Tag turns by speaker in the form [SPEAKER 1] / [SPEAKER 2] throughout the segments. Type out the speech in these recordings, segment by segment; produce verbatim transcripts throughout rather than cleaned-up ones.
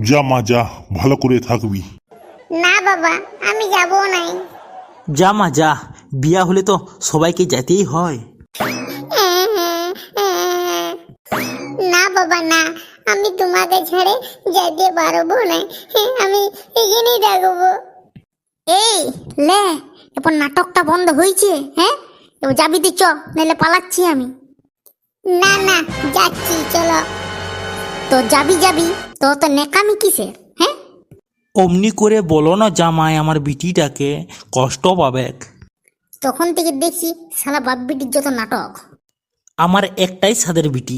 [SPEAKER 1] যা মা যা, ভালো করে থাকবি।
[SPEAKER 2] না বাবা, আমি যাবো নাই।
[SPEAKER 3] যা মা যা, বিয়া হলে তো সবাইকে যেতেই হয়।
[SPEAKER 2] না বাবা না, আমি তোমাকে ছেড়ে যেতে পারবো না। আমি এখানেই থাকবো। এই লে, এরপর নাটকটা বন্ধ হয়েছে। হ্যাঁ, এবার যাবি তুই, চ, নাহলে পালাচ্ছি আমি। না না, যাচ্ছি, চলো। তো যাবি যাবি, তো তো নেকামি কিসের? হ্যাঁ,
[SPEAKER 3] অমনি করে বলো না জামাই, আমার বিটিটাকে কষ্ট পাবে।
[SPEAKER 2] তখন থেকে দেখছি শালা বাপ বিটির যত নাটক।
[SPEAKER 3] আমার একটাই সাদের বিটি।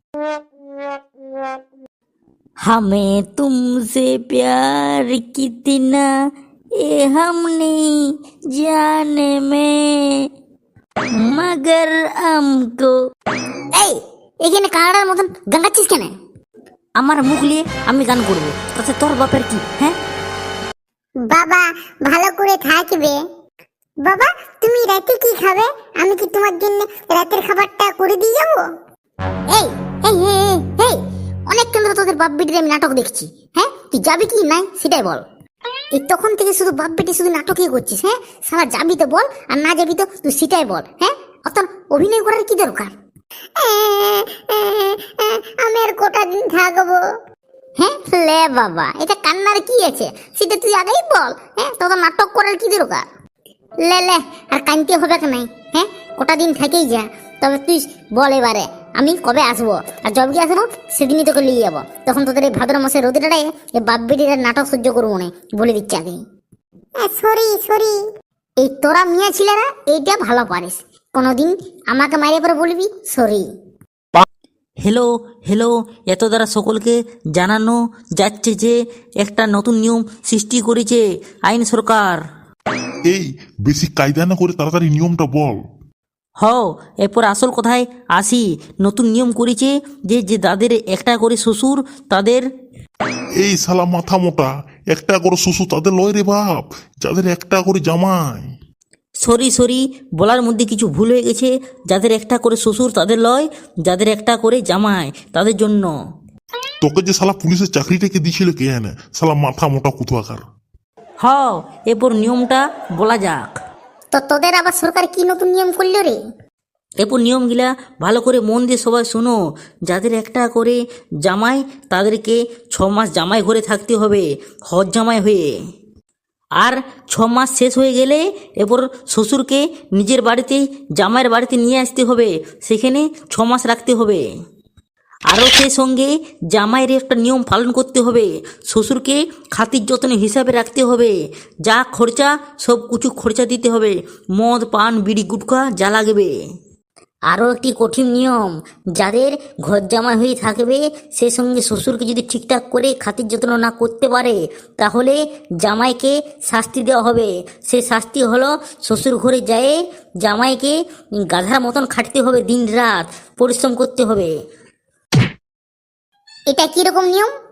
[SPEAKER 4] हमें तुमसे प्यार कितना ये हम नहीं जाने में मगर हमको।
[SPEAKER 2] এই, এখানে কানাডার মতন গান গাচ্ছিস কেন?
[SPEAKER 4] আমার মুখ নিয়ে আমি গান করবো, তাতে তোর বাপের কি? হ্যাঁ,
[SPEAKER 2] বাবা ভালো করে থাকবে। বাবা, তুমি রাতে কি খাবে? আমি কি তোমার জন্য রাতের খাবারটা করে দিয়ে যাবো? এই এই এই, এই, এই, অনেকক্ষণ ধরে তোদের বাপ বেটির আমি নাটক দেখছি। হ্যাঁ, তুই যাবি কি নাই সেটাই বল। এই তখন থেকে শুধু বাপ বেটি শুধু নাটকই করছিস। হ্যাঁ, সারা যাবি তো বল, আর না যাবি তো তুই সেটাই বল। হ্যাঁ, অত অভিনয় করার কি দরকার? আমি আর কটা দিন থাকবো। হ্যাঁ লে বাবা, এটা কান্নার কি আছে সেটা তুই আগেই বল। হ্যাঁ, তোর নাটক করার কি দরকার? লে লে, আর কানতে হবে নাই। হ্যাঁ, কটা দিন থেকেই যা। তবে তুই বল এবারে আমি কবে আসবো, আর যবে আসবো সেদিনই তোকে নিয়ে যাবো। তখন তোদের এই ভাদ্র মাসের রোদিটাই এই বাপ বেটির নাটক সহ্য করবো না, বলে দিচ্ছি আগে। সরি সরি, এই তোরা মিয়া ছিলেরা এইটা ভালো পারিস। কোনোদিন আমাকে মাইরে পরে বলবি সরি।
[SPEAKER 3] হ্যালো হ্যালো, এত দ্বারা সকলকে জানানো যাচ্ছে যে একটা নতুন নিয়ম সৃষ্টি করেছে আইন সরকার।
[SPEAKER 1] এই বেশি কায়দা না করে তাড়াতাড়ি নিয়মটা বল।
[SPEAKER 3] হ, এরপর আসল কথায় আসি। নতুন নিয়ম করেছে যে যে যাদের একটা করে শ্বশুর তাদের।
[SPEAKER 1] এই শালা মাথা মোটা, একটা করে শ্বশুর তাদের লয় রে বাপ, যাদের একটা করে জামাই।
[SPEAKER 3] সরি সরি, বলার মধ্যে কিছু ভুল হয়ে গেছে। যাদের একটা করে শ্বশুর তাদের লয়, যাদের একটা করে জামাই তাদের জন্য।
[SPEAKER 1] তোকে যে শালা পুলিশের চাকরিটাকে দিয়েছিল কে এনে, শালা মাথা মোটা কুতুয়াকার।
[SPEAKER 3] হ, এরপর নিয়মটা বলা যাক।
[SPEAKER 2] তো তোদের আবার সরকার কি নতুন নিয়ম করলো রে?
[SPEAKER 3] এরপর নিয়মগুলা ভালো করে মন দিয়ে সবাই শোনো। যাদের একটা করে জামাই তাদেরকে ছ মাস জামাই ঘরে থাকতে হবে, হজ জামাই হয়ে। আর ছ মাস শেষ হয়ে গেলে এরপর শ্বশুরকে নিজের বাড়িতে জামাইয়ের বাড়িতে নিয়ে আসতে হবে, সেখানে ছ মাস রাখতে হবে। আরও সেই সঙ্গে জামাইয়ের একটা নিয়ম পালন করতে হবে। শ্বশুরকে খাতির যত্ন হিসাবে রাখতে হবে। যা খরচা সব কিছু খরচা দিতে হবে, মদ পান বিড়ি গুটখা যা লাগবে।
[SPEAKER 4] আরও একটি কঠিন নিয়ম, যাদের ঘর জামাই হয়ে থাকবে সে সঙ্গে শ্বশুরকে যদি ঠিকঠাক করে খাতির যত্ন না করতে পারে তাহলে জামাইকে শাস্তি দেওয়া হবে। সে শাস্তি হলো শ্বশুর ঘরে যেয়ে জামাইকে গাধার মতন খাটতে হবে, দিন রাত পরিশ্রম করতে হবে।
[SPEAKER 2] এটা কিরকম নিয়ম?